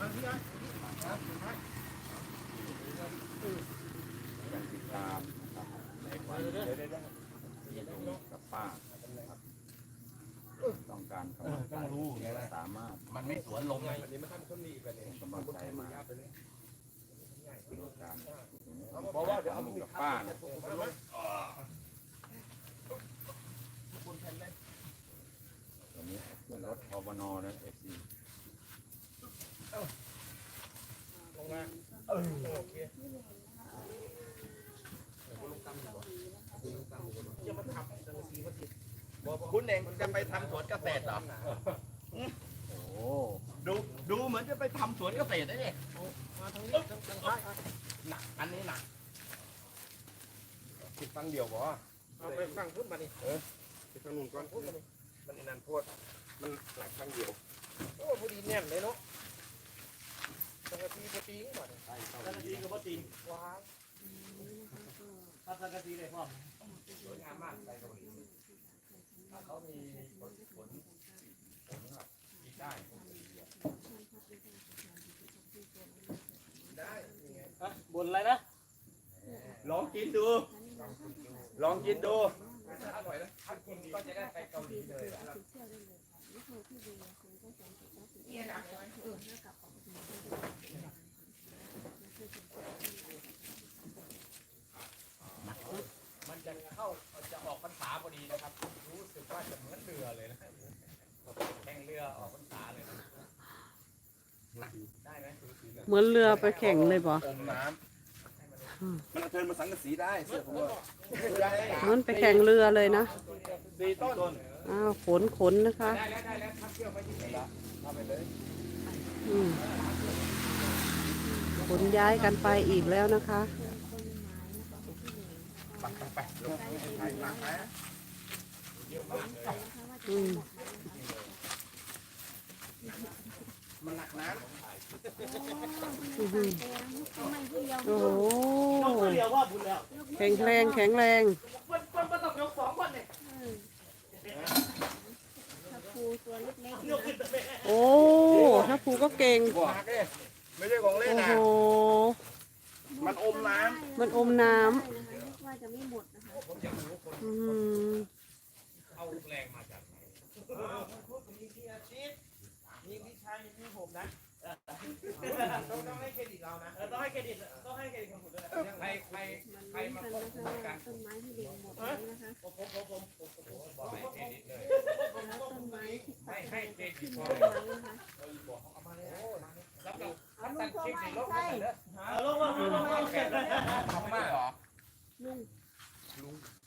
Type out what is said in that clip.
ติดตามในวันกับป้าต้องการกำลังใจสามารถมันไม่สวนลมเลยกำลังใจมาเพราะว่าเดี๋ยวเอากับป้าตอนนี้ขึ้นรถพบนนะเอฟซีลงมาโอเคคุณเองจะไปทำสวนเกษตรเหรอโอ้ดูเหมือนจะไปทำสวนเกษตรได้เนี่ยหนักอันนี้หนักติดฟังเดียวบ่เอาไปฟังพุ่นมาดิไปฟังนู่นก่อนมันนั่นพวดมันหนักฟังเดียวโอ้พอดีแน่นเลยเนาะสังกะสีก็ตีงก่อนสังกะสีก็บ่ตีว้าวสังกะสีเลยพ่อสวยงามมากไปตรงนี้ถ้าเขามีผลแบบกินได้บนอะไรนะลองกินดูลองกินดูอร่อยนะถ้ากินก็จะได้ไปเกาหลีเลยมันจะเข้าจะออกพรรษาพอดีนะครับรู้สึกว่าจะเหมือนเรือเลยนะแข่งเรือออกพรรษาเลยนะได้ไหมเหมือนเรือไปแข่งเลยบ่อมน้ำมันเทินมาสังกะสีได้เสื้อผมว่าเหมือนไปแข่งเรือเลยนะ 4 ต้นอ้าวขนนะคะได้แล้วทับเชือกไปที่นี่ทำไปเลยขนย้ายกันไปอีกแล้วนะคะไปลงไปหนักไหมมันหนักนะโอ้โหแข็งแรงโอ้ถ้าภูก็เก่งไม่ใช่ของเล่นนะโอ้โหมันอมน้ำว่าจะไม่หมดนะคะเอาแรงมาจากมีพี่อาชีพมีพี่ชายมีผมนะต้องให้เครดิตเรานะต้องให้เครดิตคนอื่นด้วยใครมาควบคุมกันต้นไม้ที่เลี้ยงหมดเลยนะคะผมบอกให้เครดิตเลยต้นไม้ที่ตัดให้เครดิตพอเลยเอามาเลยรับเราตัดคลิปในรถไปเลยลงมาทำมากเหรอลุง